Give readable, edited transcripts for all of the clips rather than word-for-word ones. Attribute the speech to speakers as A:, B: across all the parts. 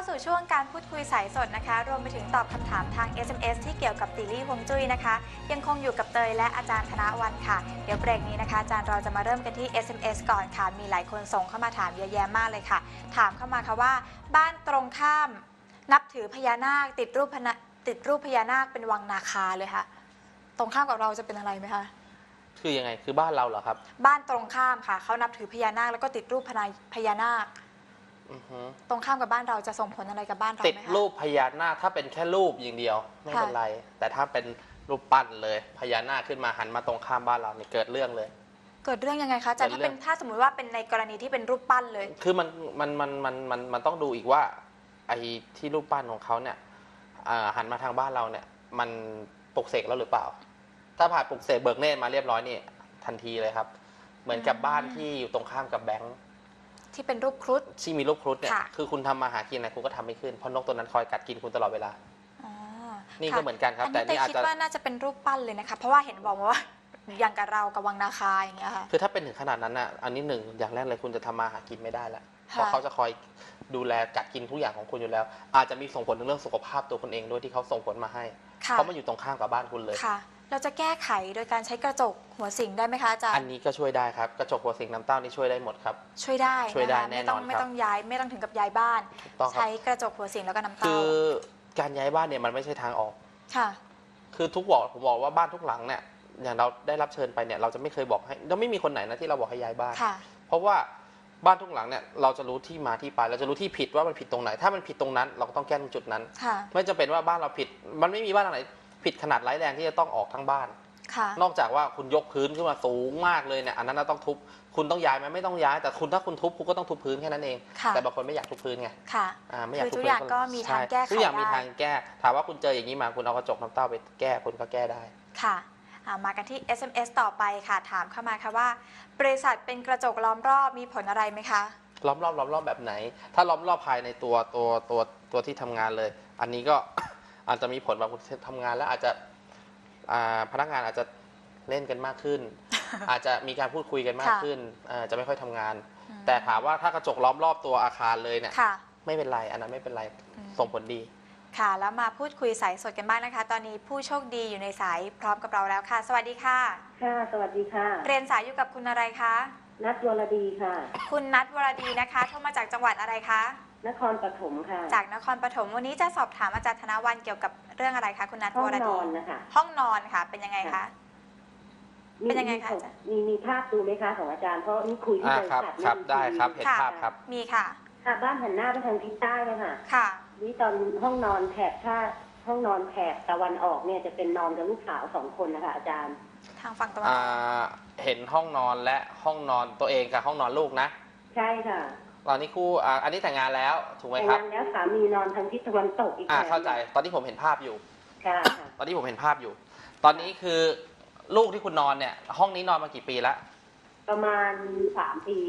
A: สู่ช่วงการพูดคุยสายสดนะคะรวมไปถึงตอบคำถามทาง SMS ที่เกี่ยวกับตีลี่ฮวงจุ้ยนะคะยังคงอยู่กับเตยและอาจารย์ธนวันค่ะเดี๋ยวเบรกนี้นะคะอาจารย์เราจะมาเริ่มกันที่ SMS ก่อนค่ะมีหลายคนส่งเข้ามาถามเยอะแยะมากเลยค่ะถามเข้ามาค่ะว่าบ้านตรงข้ามนับถือพญานาคติดรูปพญานาคเป็นวังนาคาเลยค่ะตรงข้ามกับเราจะเป็นอะไรไหมคะ
B: คือยังไงคือบ้านเราเหรอครับ
A: บ้านตรงข้ามค่ะเขานับถือพญานาคแล้วก็ติดรูปพญานาคตรงข้ามกับบ้านเราจะส่งผลอะไรกับบ้านเราไหมคะ
B: ติดรูปพญานาคถ้าเป็นแค่รูปอย่างเดียวไม่เป็นไรแต่ถ้าเป็นรูปปั้นเลยพญานาคขึ้นมาหันมาตรงข้ามบ้านเราเนี่ยเกิดเรื่องเลย
A: เกิดเรื่องยังไงคะอาจารย์ถ้าสมมติว่าเป็นในกรณีที่เป็นรูปปั้นเลย
B: คือมันต้องดูอีกว่าไอ้ที่รูปปั้นของเขาเนี่ยหันมาทางบ้านเราเนี่ยมันปลุกเสกแล้วหรือเปล่าถ้าผ่านปลุกเสกเบิกเนตรมาเรียบร้อยนี่ทันทีเลยครับเหมือนกับบ้านที่อยู่ตรงข้ามกับแบงค์
A: ที่เป็นรูปครุฑ
B: ที่มีรูปครุฑเนี่ยคือคุณทำมาหากินอะไรคุณก็ทำไม่ขึ้นเพราะนกตัวนั้นคอยกัดกินคุณตลอดเวลานี่ก็เหมือนกันครับ
A: แต่นี่อาจจะคิดว่าน่าจะเป็นรูปปั้นเลยนะคะเพราะว่าเห็นบอกว่าอย่างกับเรากับวังนาคาอย่างเงี้ยค่ะ
B: คือถ้าเป็นถึงขนาดนั้นน่ะอันนี้หนึ่งอย่างแรกเลยคุณจะทำมาหากินไม่ได้แล้วเพราะเขาจะคอยดูแลกัดกินทุกอย่างของคุณอยู่แล้วอาจจะมีส่งผลในเรื่องสุขภาพตัวคุณเองด้วยที่เขาส่งผลมาให้เพราะมันอยู่ตรงข้ามกับบ้านคุณเลย
A: ค่ะเราจะแก้ไขโดยการใช้กระจกหัวสิงได้ไหมคะอาจารย์
B: อันนี้ก็ช่วยได้ครับกระจกหัวสิงน้ำเต้านี่ช่วยได้หมดครับ
A: ช่วยได้
B: แน่นอน
A: ไม่ต้องย้ายไม่ต้องถึงกับย้ายบ้านใช้กระจกหัวสิงแล้วก็น้ำเต้า
B: คือการย้ายบ้านเนี่ยมันไม่ใช่ทางออก
A: ค่ะ
B: คือผมบอกว่าบ้านทุกหลังเนี่ยอย่างเราได้รับเชิญไปเนี่ยเราจะไม่เคยบอกให้เราไม่มีคนไหนนะที่เราบอกให้ย้ายบ้านเพราะว่าบ้านทุกหลังเนี่ยเราจะรู้ที่มาที่ไปเราจะรู้ที่ผิดว่ามันผิดตรงไหนถ้ามันผิดตรงนั้นเราก็ต้องแก้ตรงจุดนั้นไม่จำเป็นว่าบ้านเราผิดมันไม่มีบ้านไหนผิดขนาดร้ายแรงที่จะต้องออกทั้งบ้านนอกจากว่าคุณยกพื้นขึ้นมาสูงมากเลยเนี่ยอันนั้นเราต้องทุบคุณต้องย้ายไหมไม่ต้องย้ายแต่ถ้าคุณทุบคุณก็ต้องทุบพื้นแค่นั้นเองแต่บางคนไม่อยากทุบพื้นไงไม่อยากทุบพื้น
A: ทุกอย่างก็มีทางแก้ไขได้
B: ทุกอย่างมีทางแก้ถามว่าคุณเจออย่างนี้มาคุณเอากระจกน้ำเต้าไปแก้คุณก็แก้ได้
A: ค่ะมากันที่ SMS ต่อไปค่ะถามเข้ามาค่ะว่าบริษัทเป็นกระจกล้อมรอบมีผลอะไรไหมคะ
B: ล้อมรอบแบบไหนถ้าล้อมรอบภายในตัวที่ทำงานเลยอันนี้ก็ อาจจะมีผลแบบคุณทำงานแล้วอาจจะพนักงานอาจจะเล่นกันมากขึ้น อาจจะมีการพูดคุยกันมากขึ้นจะไม่ค่อยทำงานแต่ถามว่าถ้ากระจกล้อมรอบตัวอาคารเลยเนี่ยไม่เป็นไรอันนั้นไม่เป็นไรส่งผลดี
A: ค่ะแล้วมาพูดคุยสายสดกันบ้างนะคะตอนนี้ผู้โชคดีอยู่ในสายพร้อมกับเราแล้วค่ะสวัสดีค่ะ
C: ค่ะสวัสดีค่ะ
A: เรียนสายอยู่กับคุณอะไรคะ
C: นัทวรดีค่ะ
A: คุณนัทวรดีนะคะโทรมาจากจังหวัดอะไรคะ
C: นครปฐมค่ะ
A: จากนครปฐมวันนี้จะสอบถามอาจารย์ธนวันเกี่ยวกับเรื่องอะไรคะคุณนัทวรดี
C: ห้องนอนนะคะ
A: ห้องนอนค่ะเป็นยังไงคะเป็นยังไงคะ
C: มีภาพดูไหมคะของอาจารย์เพราะนี่คุยที่บริษัท
B: ครับได้ครับเห็นภาพครับ
A: มีค่ะ
C: บ้านหันหน้าไปทางทิศใต้เลยค่ะ
A: ค่ะ
C: นี่ตอนห้องนอนแถบห้องนอนแถบตะวันออกเนี่ยจะเป็นนอนกับลูกสาว2 คนนะคะอาจารย์
A: ทางฝั่งตะวันออก
B: เห็นห้องนอนและห้องนอนตัวเองกับห้องนอนลูกนะ
C: ใช่ค่ะ
B: ตอนนี้คู่อันนี้แต่งงานแล้วถูกไหมครับ
C: แต่งงานแล้วสามีนอนทางทิศตะวันตกอีก
B: เข้าใจตอนที่ผมเห็นภาพอยู่
C: ค่ะ
B: ตอนที่ผมเห็นภาพอยู่ตอนนี้คือลูกที่คุณนอนเนี่ยห้องนี้นอนมากี่ปีแล้ว
C: ประมาณ3 ปี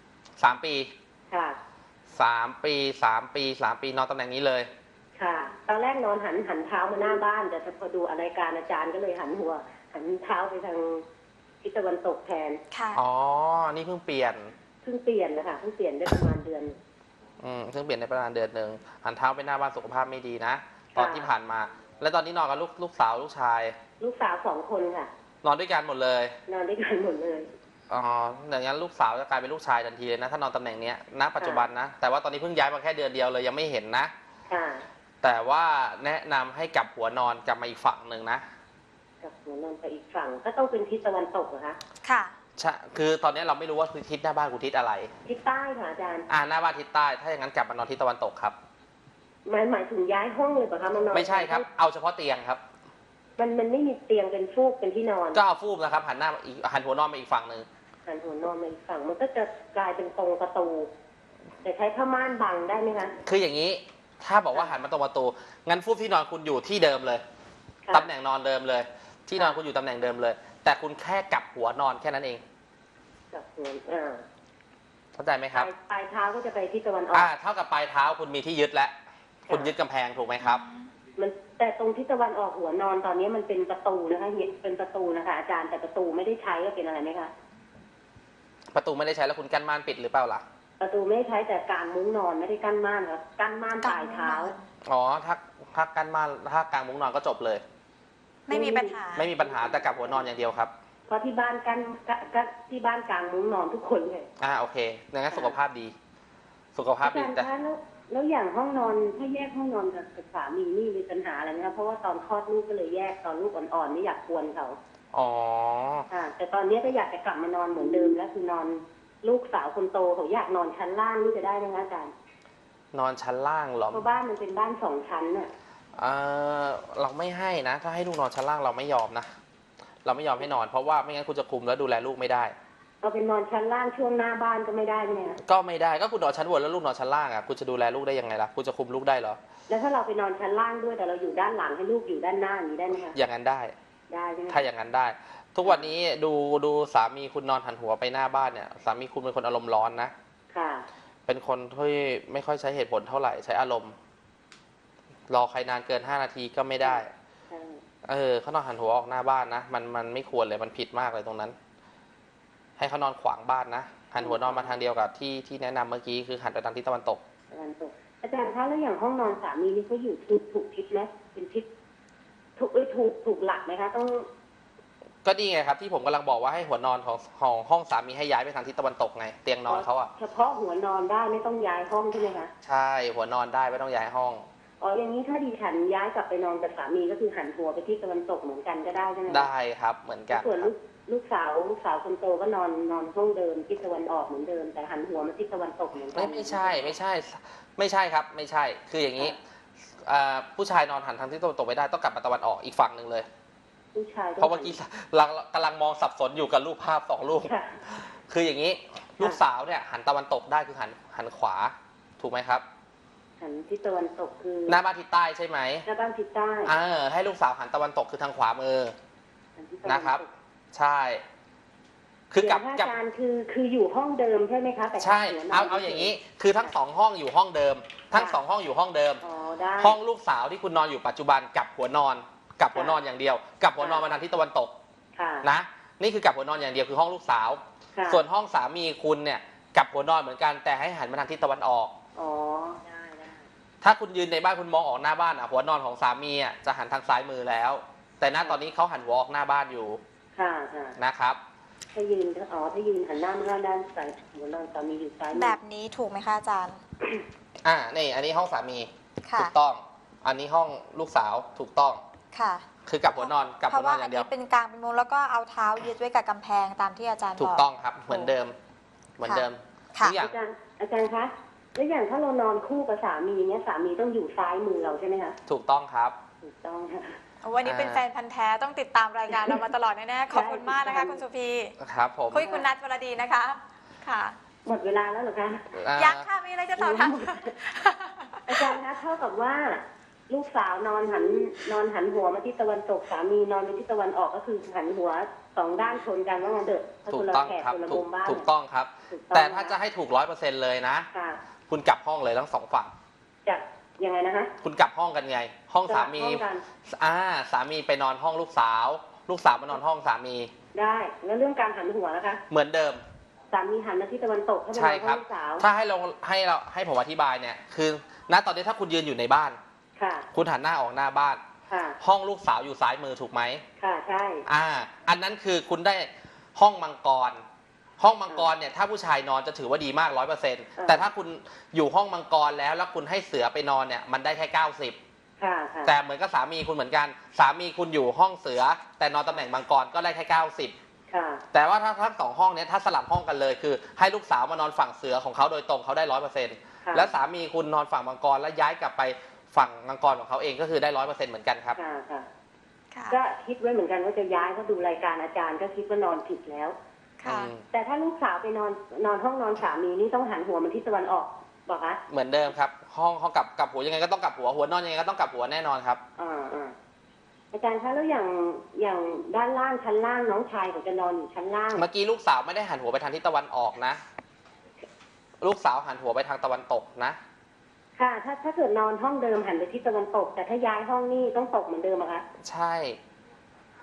B: 3 ปี
C: ค่ะ
B: 3 ปีนอนตำแหน่งนี้เลย
C: ค่ะตอนแรกนอนหันเท้ามาหน้าบ้านแต่พอดูรายการอาจารย์ก็เลยหันเท้าไปทางทิศตะวันตกแทน
A: ค่ะ
B: อ๋อนี่เพิ่งเปลี่ยน
C: นะคะเพิ่งเปลี่ยนได้ประมาณเดือน
B: เพิ่งเปลี่ยนได้ประมาณเดือนนึงหันเท้าไปหน้าบ้านสุขภาพไม่ดีนะตอนที่ผ่านมาแล้วตอนนี้นอนกับลูกสาวลูกชาย
C: ลูกสาว2 คนค่ะ
B: นอนด้วยกันหมดเลย
C: นอนด้วยกันหมดเลย
B: อ๋ออย่างนั้นลูกสาวจะกลายเป็นลูกชายทันทีเลยนะถ้านอนตำแหน่งนี้ณปัจจุบันนะแต่ว่าตอนนี้เพิ่งย้ายมาแค่เดือนเดียวเลยยังไม่เห็นนะแต่ว่าแนะนำให้กลับหัวนอนกลับมาอีกฝั่งหนึ่งนะ
C: กลับหัวนอนไปอีกฝั่งก็ต้องเป็นทิศตะวันตกเหรอคะ
A: ค่ะ
B: ใช่คือตอนนี้เราไม่รู้ว่าทิศหน้าบ้านคุณทิศอะไร
C: ทิศใต้ค่ะอาจารย์
B: หน้าบ้านทิศใต้ถ้าอย่างนั้นกลับมานอนทิศตะวันตกครับ
C: หมายถึงย้ายห้องเลยป่ะคะมานอน
B: ไม่ใช่ครับเอาเฉพาะเตียงครับ
C: มันไม่มีเตียงเป็นฟูกเป็นที่นอน
B: ก็เอาฟูกนะครับหันหัวนอนมาอีกฝั่งหนึ่ง
C: หันหัวนอนมาอีกฝั่งมันก็จะกลายเป็นตรงประตูแต่ใช้ผ้าม่านบังได้ไหมคะ
B: คืออย่างนี้ถ้าบอกว่าหันมาตรงประตูงั้นฟูกที่นอนคุณอยู่ที่เดิมเลยตำแหน่งนอนเดิมเลยที่นอนคุณอยู่ตำแหน่งเดิมเลยแต่คุณแค่กลับหัวนอนแค่นั้นเอง
C: กลับหัว
B: เข้าใจไหมครับ
C: ปลายเท้าก็จะไปที่ตะวันออก
B: เท่ากับปลายเท้าคุณมีที่ยึดแล้วคุณยึดกำแพงถูกไหมครับ
C: แต่ตรงที่ตะวันออกหัวนอนตอนนี้มันเป็นประตูนะคะเป็นประตูนะคะอาจารย์แต่ประตูไม่ได้ใช้ก็เป็นอะไรไหมคะ
B: ประตูไม่ได้ใช้แล้วคุณกั้นม่านปิดหรือเปล่าล่ะ
C: ประตูไม่ใช้แต่กางมุ้งนอนไม่ได้กั้นม่านครับกั้นม่านปลายเท้า
B: อ๋อถ้ากันมาถ้ากางมุ้งนอนก็จบเลย
A: ไม่มีปัญหา
B: ไม่มีปัญหาแต่กลับหัวนอนอย่างเดียวครับ
C: เพราะที่บ้านกั้นที่บ้านกางมุ้งนอนทุกคนเลย
B: โอเคงั้นสุขภาพดี สุขภาพ
C: อา
B: ดี
C: จารย์
B: แต่
C: คะแล้วอย่างห้องนอนถ้าแยกห้องนอนกับสามีนี่มีปัญหาอะไรไหมคะเพราะว่าตอนคลอดลูกก็เลยแยกตอนลูกอ่อนๆไม่อยากกวนเขา
B: อ๋อ
C: แต่ตอนนี้ก็อยากจะกลับมานอนเหมือนเดิมแล้วคือนอนลูกสาวคนโตเขาอยากนอนชั้นล่างนี่จะได้ไหมคะอาจารย์
B: นอนชั้นล่างเหรอ
C: เพราะบ้านมันเป็นบ้าน2 ชั้นน่ะ
B: เราไม่ให้นะ ถ้าให้ลูกนอนชั้นล่างเราไม่ยอมนะ เราไม่ยอมให้นอนเพราะว่าไม่งั้นคุณจะคุมแล้วดูแลลูกไม่ได้
C: เอาเป็นนอนชั้นล่างช่วงหน้าบ้านก็ไม่ได้ใช่ไหมคะ
B: ก็ไม่ได้ก็คุณนอนชั้นบนแล้วลูกนอนชั้นล่างอ่ะคุณจะดูแลลูกได้ยังไงล่ะคุณจะคุมลูกได้เหรอ
C: แล้วถ้าเราไปนอนชั้นล่างด้วยแต่เราอยู่ด้านหลังให้ลูกอยู่ด้านหน้าอย่างนี้ได้ไหมคะ
B: อย่างนั้นได้
C: ได้ใช่ไหม
B: ถ้าอย่างนั้นได้ ทุกวันนี้ดูสามีคุณนอนหันหัวไปหน้าบ้านเนี่ยสามีคุณเป็นคนอารมณ์ร้อนนะ
C: ค่ะ
B: เป็นคนที่ไม่ค่อยใช้เหตุผลเท่าไหร่ใช้อารมณ์ รอใครนานเกิน5 นาทีก็ไม่ได้
C: ใช่
B: เขานอนหันหัวออกหน้าบ้านนะมันไม่ควรเลยมันผิดมากเลยตรงนั้น ให้เขานอนขวางบ้านนะหันหัวนอนมาทางเดียวกับที่แนะนำเมื่อกี้คือหันไปทางทิศตะวันตก
C: ตะวันตกอาจารย์คะแล้วอย่างห้องนอนสามีนี่เขาอยู่ถูกทิศไหมเป็นทิศถูกหลักไหมคะต้อง
B: ก็ดีไงครับที่ผมกำลังบอกว่าให้หัวนอนของห้องสามีให้ย้ายไปทางทิศตะวันตกไงเตียงนอนเขาอ่ะ
C: เฉพาะหัวนอนได้ไม่ต้องย้ายห้องใช่ไหมคะ
B: ใช่หัวนอนได้ไม่ต้องย้ายห้อง
C: อย่างนี้ถ้าดิฉันย้ายกลับไปนอนกับสามีก็คือหันหัวไปที่ตะวันตกเหมือนกันก็ได้ใช่ไหมคะ
B: ได้ครับเหมือนกัน
C: ส่วน
B: ครับ
C: ลูกสาวคนโตก็นอนห้องเดิมทิศตะวันออกเหมือนเดิมแต่หันหัวมาทิศตะวันตกเหมือนกั
B: ไม่ใช่ครับไม่ใช่คืออย่างนี้ผู้ชายนอนหันทางทิศตะวันตกไม่ได้ต้องกลับมาตะวันออกอีกฝั่งหนึ่งเลย
C: ผู้ชาย
B: เพราะเมื่อกี้กำลังมองสับสนอยู่กับรูปภาพ2 รูป
C: ค่ะ
B: คืออย่างนี้ลูกสาวเนี่ยหันตะวันตกได้คือหันขวาถูกไหมครับ
C: หันทิศตะวันตกคือ
B: หน้าบ้านทิศใต้ใช่ไหม
C: หน้าบ้านทิศใต้
B: ให้ลูกสาวหันตะวันตกคือทางขวามือ
C: หันทิศตะวันตก
B: นะครับ ใช่คือกลับ
C: เดี๋ยวพระอาจารย์คืออยู่ห้องเดิมใช่ไหมคะแต่
B: ใช่
C: หัวนน
B: เอาอย่างนี้คือทั้ง2 ห้องอยู่ห้องเดิม ทั้ง2 ห้องอยู่ห้องเดิม
C: ได้
B: ห้องลูกสาวที่คุณนอนอยู่ปัจจุบันกับหัวนอนกับหัวนอนอย่างเดียวกับหัวนอนมาทางทิศตะวันตก
C: ค่ะ
B: นะนี่คือกับหัวนอนอย่างเดียวคือห้องลูกสาว
C: ค่ะ
B: ส่วนห้องสามีคุณเนี่ยกับหัวนอนเหมือนกันแต่ให้หันมาทางทิศตะวันออก
C: ได้
B: ถ้าคุณยืนในบ้านคุณมองออกหน้าบ้านหัวนอนของสามีจะหันทางซ้ายมือแล้ว แต่ณตอนนี้เขาหันหัวออกหน้าบ้านอยู่
C: ค่ะ
B: นะครับ
C: ถ้ายืนหันหน้ามาด้านซ้ายหัวนอนสามีอยู่ซ้ายมือ
A: แบบนี้ถูกไหมคะอาจารย์
B: นี่อันนี้ห้องสามี
A: ค่ะ
B: ถูกต้อง อันนี้ห้องลูกสาวถูกต้อง
A: ค่ะ
B: คือกับหัวนอนกับ
A: เพ
B: หัว
A: ราะ
B: นอ
A: ว่าน
B: อ
A: อั
B: ย่าน งเดียว
A: นี้เป็นกลางเป็นมุมแล้วก็เอาเท้ายึดไว้กับกำแพงตามที่อาจารย์
B: ถู
A: บ
B: ก
A: อก
B: ต้องครับเหมือนเดิมเหมือนเดิม
A: ค่ะ
B: ทุกอย่าง
C: อาจารย์คะแล้วอย่างถ้าเรานอนคู่กับสามีเนี่ยสามีต้องอยู่ซ้ายมือเราใช่ไหมคะ
B: ถูกต้องครับ
C: ถูกต้องค่ะ
A: วันนี้เป็นแฟนพันธ์แท้ต้องติดตามรายการเรามาตลอดแน่ๆขอบคุณมากนะคะ คุณสุพี
B: ครับผม
A: คุยคุณนัทวรดีนะคะ ค่ะ
C: หมดเวลาแล้วเหรอคะ
A: ยังค่ะมีอะไรจะต่อทัน
C: อาจารย์คะเท่ากับว่า ลูกสาวนอนหันหัวมาที่ตะวันตกสามีนอนไปที่ตะวันออกก็คือหันหัว2 ด้านชนกันว่างั้นเถอะ
B: ถูกต้องครับ
C: คนละ
B: ถู
C: มุ
B: ก
C: มบ้าน
B: ถูกต้องครับ
C: ถูกต้อง
B: แต่ถ้าจะให้ถูก100%เลยนะ
C: ค่ะ
B: คุณกลับห้องเลยทั้ง2 ฝั่ง
C: จะยังไงนะคะ
B: คุณกลับห้องกันไง ห้องสามี
C: ห้องกัน
B: สามีไปนอนห้องลูกสาว ลูกสาวมานอนห้องสามี
C: ได้แล้วเรื่องการหันหัวนะคะ
B: เหมือนเดิม
C: สามีหันมาที่ตะวันตกถ้าเป็น
B: ใช่
C: นอน
B: ค
C: ห้
B: รั
C: อบ งลูกสาว
B: ถ้าให้ผมอธิบายเนี่ย คือณตอนนี้ถ้าคุณยืนอยู่ในบ้าน
C: ค่ะ
B: คุณหันหน้าออกหน้าบ้าน
C: ค่ะ
B: ห้องลูกสาวอยู่ซ้ายมือถูกไหม
C: ค่ะใช่
B: อันนั้นคือคุณได้ห้องมังกร ห้องมังกรเนี่ยถ้าผู้ชายนอนจะถือว่าดีมาก100%แต่ถ้าคุณอยู่ห้องมังกรแล้วคุณให้เสือไปนอนเนี่ยมันได้แค่90
C: ค่ะ
B: แต่เหมือนกับสามีคุณเหมือนกัน สามีคุณอยู่ห้องเสือ แต่นอนตำแหน่งมังกรก็ได้แค่90
C: ค่ะ
B: แต่ว่าถ้าทั้ง2 ห้องเนี้ยถ้าสลับห้องกันเลยคือ ให้ลูกสาวมานอนฝั่งเสือของเขาโดยตรงเขาได้100%และสามีคุณนอนฝั่งมังกรแล้วย้ายกลับไปฝั่งมังกรของเขาเองก็คือได้100%เหมือนกันครับ
C: ค่ะค่ะ
A: ค่ะ
C: ก็คิดไว้เหมือนกันว่าจะย้ายเพราะดูรายการอาจารย์ก็คิดว่านอนผิดแล้ว
A: ค่ะ
C: แต่ถ้าลูกสาวไปนอนห้องนอนสามีนี่ต้องหันหัวมาที่ตะวันออกบอกคะ
B: เหมือนเดิมครับ ห้องกลับหัวยังไงก็ต้องกลับหัวนอนยังไงก็ต้องกลับหัวแน่นอนครับ
C: อาจารย์คะแล้วอย่างด้านล่างชั้นล่างน้องชายเขาจะนอนอยู่ชั้นล่าง
B: เมื่อกี้ลูกสาวไม่ได้หันหัวไปทางทิศตะวันออกนะ ลูกสาวหันหัวไปทางตะวันตกนะ
C: ค่ะ ถ้าเกิดนอนห้องเดิมหันไปทิศตะวันตก แต่ถ้าย้ายห้องนี่ต้องตกเหมือนเดิมอะคะ
B: ใช่
C: อ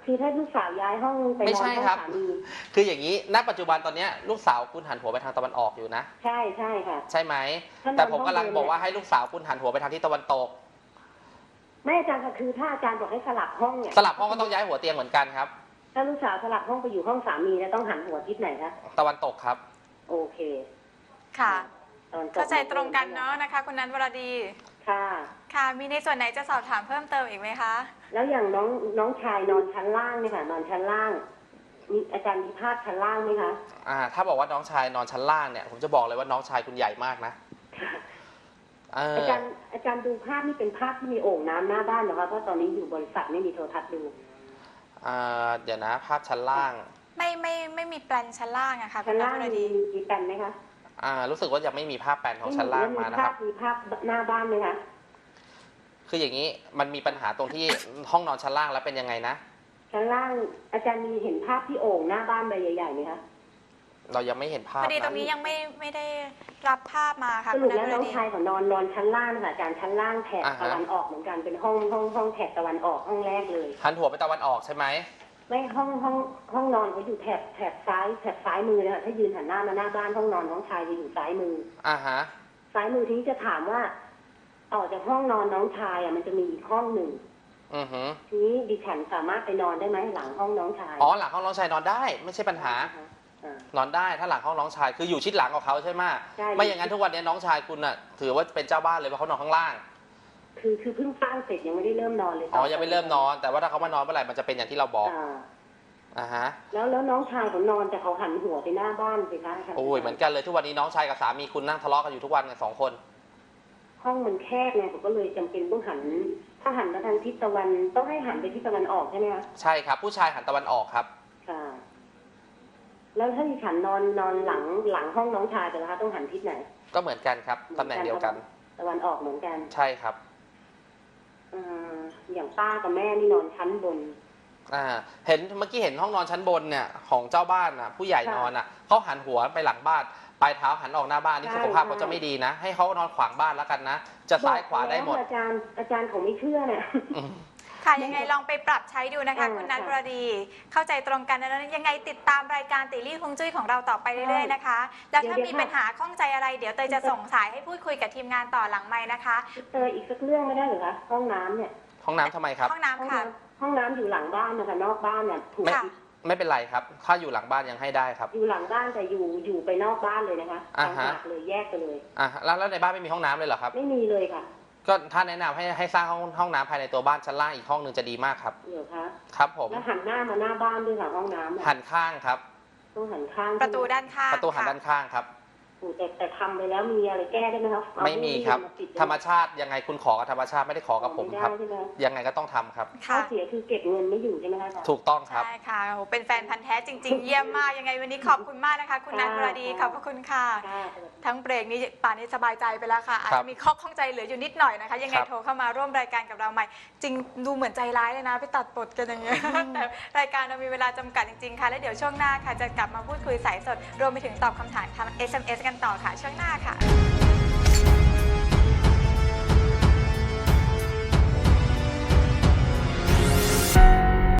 C: คือถ้าลูกสาวย้ายห้องไปน
B: ไม่
C: อน
B: ใช่
C: ห้อง
B: ครับ
C: สามี
B: คืออย่างนี้ณปัจจุบันตอนเนี้ยลูกสาวคุณหันหัวไปทางตะวันออกอยู่นะ
C: ใช่ใช่ค่ะ
B: ใช่ไหม
C: ถ้านอน
B: แต่ผมกำลัง
C: ห้องเดิม
B: บอกว่าให้ลูกสาวคุณหันหัวไปทางทิศตะวันตก
C: ไม่อาจารย์ค่ะคือถ้าอาจารย์บอกให้สลับห้องเนี่ย
B: สลับห้องก็ต้องย้ายหัวเตียงเหมือนกันครับ
C: ถ้าลูกสาวสลับห้องไปอยู่ห้องสามีแล้วต้องหันหัวทิศไหนคะ
B: ตะวันตกครับ
C: โอเค
A: ค่ะ
C: ตอนจบ
A: เข้าใจตรงกันเนาะนะคะ คุณนันวรดี
C: ค่ะ
A: ค่ะ มีในส่วนไหนจะสอบถามเพิ่มเติมอีกไหมคะ
C: แล้วอย่างน้องชายนอนชั้นล่างเนี่ยค่ะนอนชั้นล่างมีอาจารย์มีภาพชั้นล่างไหมคะ
B: ถ้าบอกว่าน้องชายนอนชั้นล่างเนี่ยผมจะบอกเลยว่าน้องชายคุณใหญ่มากนะ
C: อาจารย์ดูภาพนี่เป็นภาพที่มีโอ่งน้ำหน้าบ้านเหรอคะเพราะตอนนี้อยู่บริษัทไม่มีโทรทัศน์ดู
B: เดี๋ยวนะภาพชั้นล่าง
A: ไม่มีแปลนชั้นล่างอะค่ะคุ
C: ชั้
A: ณ
C: น
A: นัน
C: ล่าง
A: วรดี
C: มีแปลนไหมคะ
B: รู้สึกว่ายังไม่มีภาพแปลนของชั้นล่างมานะครับ
C: มีภาพหน้าบ้านไหมคะ
B: คืออย่างนี้มันมีปัญหาตรงที่ ห้องนอนชั้นล่างแล้วเป็นยังไงนะ
C: ชั้นล่างอาจารย์มีเห็นภาพที่โอ่งหน้าบ้านใบใหญ่ๆไหมคะ
B: เรายังไม่เห็นภา
A: พ
B: พ
A: อดีตรง
B: นะ
A: นี้ยังไม่ได้รับภาพมาค่ะ
C: ส
A: คุ
C: รุ
A: ณ
C: ป
A: นั
C: แล้ว
A: นว
C: น้
A: ร
C: อง
A: ดี
C: ชายของนอนชั้นล่างค่ะอาจารย์ชั้นล่างแถบตะวันออกเหมือนกันเป็นห้องแถบตะวันออกห้องแรกเลย
B: หันหัวไปตะวันออกใช่ไหม
C: ไม่ห้องนอนเขาอยู่แถบซ้ายมือนะคะถ้ายืนหันหน้ามาหน้าบ้านห้องนอนน้องชายจะอยู่ซ้ายมือ
B: ฮะ
C: ซ้ายมือทีนี้จะถามว่าต่อจากห้องนอนน้องชายมันจะมีอีกห้องหนึ่ง
B: อือหือ
C: ทีนี้ดิฉันสามารถไปนอนได้ไหมหลังห้องน้องชาย
B: หลังห้องน้องชายนอนได้ไม่ใช่ปัญหา
C: อ่าน
B: อนได้ถ้าหลังห้องน้องชายคืออยู่ชิดหลังของเขาใช่ไหม
C: ใช่
B: ไม่อย่างนั้นทุกวันนี้น้องชายคุณน่ะถือว่าเป็นเจ้าบ้านเลยเพราะเขานอนข้างล่าง
C: คือเพิ่งสร้างเสร็จยังไม่ได้เริ่มนอนเลย
B: ยังไม่เริ่มนอน แต่ว่าถ้าเขามานอนเมื่อไหร่มันจะเป็นอย่างที่เราบอก ฮะ
C: แล้วน้องชายผมนอนแต่เขาหันหัวไปหน้าบ้านสิคะ
B: โอ้ยเหมือนกันเลยทุกวันนี้น้องชายกับสามีคุณนั่งทะเลาะกันอยู่ทุกวันกัน2 คน
C: ห้องมันแคบไงผมก็เลยจำเป็นต้องหันถ้าหันมาทางทิศตะวันต้องให้หันไปทิศตะวันออกใช่ไหมคะ
B: ใช่ครับ ผู้ชายหันตะวันออกครับ
C: ค่ะ แล้วถ้าดิฉันนอนหลังห้องน้องชายแต่ละคะต้องหันทิศไหน
B: ก็เหมือนกันครับตำแหน่งเดียวกัน
C: ตะวันออกเหมือนกัน
B: ใช่ครับ
C: อย่างป้ากับแม่นี่นอนชั้นบน
B: เห็นเมื่อกี้เห็นห้องนอนชั้นบนเนี่ยของเจ้าบ้านน่ะผู้ใหญ่นอนน่ะเขาหันหัวไปหลังบ้านปลายเท้าหันออกหน้าบ้านนี่
C: ใช่
B: สุขภาพ
C: ใช่
B: เขาจะไม่ดีนะ ให้เขานอนขวางบ้านแล้วกันนะ จะซ้ายขวาได้หมด
C: บอกแล้วอาจารย์เขาไม่เชื่อเนี่ย
A: ค่ะยังไงลองไปปรับใช้ดูนะคะ คุณนัน
C: ค่ะ
A: วรดี เข้าใจตรงกันนะแล้วยังไงติดตามรายการติลี่ฮวงจุ้ยของเราต่อไปเรื่อยๆนะคะ แล้วถ้ามีปัญหาข้องใจอะไรเดี๋ยวเตยจะส่งสายให้พูดคุยกับทีมงานต่อหลังไม้นะคะ
C: อีกสักเรื่องไม่ได้เหรอคะห้องน้ำเนี่ย
B: ห้องน้ำทำไมครับ
A: ห้องน้ำค่ะ
C: ห้องน้ำอยู่หลังบ้านนะคะนอกบ้านเนี่ยถูก
A: ค่ะ
B: ไม่เป็นไรครับ ถ้าอยู่หลังบ้านยังให้ได้ครับ
C: อยู่หลังบ้านแต่อยู่ไปนอกบ้านเลยนะคะ
B: อ่า
C: ต่าง
B: ฮะ
C: หากเลยแยกไปเลย
B: แล้วในบ้านไม่มีห้องน้ำเลยเหรอครับ
C: ไม่มีเลยค่ะ
B: ก็ถ้าแนะนำให้สร้างห้องน้ำภายในตัวบ้านชั้นล่างอีกห้องหนึ่งจะดีมากครับ
C: เหรอคะ
B: ครับผม
C: แล้วหันหน้ามาหน้าบ้านด้วยค่ะห้องน้ำอะ
B: หันข้างครับ
C: ต้องหันข้าง
A: ประตูด้านข้าง
B: ประตูหัน
A: ค่ะ
B: ด้านข้างครับ
C: โอ้แต่ทำไปแล้วมีอะไรแก้ได้ไหมครับเอา
B: ไม่มีครับ
C: าปิดได้ไห
B: ธรรมชาติยังไงคุณขอกับธรรมชาติไม่ได้ขอกับผมครับ
C: ไได้ใช่ไหม
B: ยังไงก็ต้องทำครับ
C: ข้อ
A: ค่ะ
C: เสียคือเก็บเงินไม่อยู่ใช่ไหมคะอาจารย์
B: ถูกต้องครับ
A: ใช่ค่ะโอ้โหเป็นแฟนพันธ์แท้จริง ๆ เยี่ยมมากยังไงวันนี้ขอบคุณมากนะคะ คุณนันวรดีขอบพระคุณค่ะ
C: ค่ะ
A: ทั้งเบรกนี้ป่านนี้สบายใจไปแล้วค่ะอาจ
B: ครับ
A: จะมีข้อข้องใจเหลืออยู่นิดหน่อยนะคะ ยังไง
B: ครับ
A: โทรเข้ามาร่วมรายการกับเราใหม่ จริงดูเหมือนใจร้ายเลยนะไปตัดบทกันอย่างเงี้ย แต่รายการเรามีเวลาจำกัดจริงๆค่ะ แล้วเดี๋ยวช่วงหน้าค่ะจะกลับมาพูดคุยสายสด รวมไปถึงตอบคำถามทาง SMS กันต่อค่ะ ช่วงหน้าค่ะ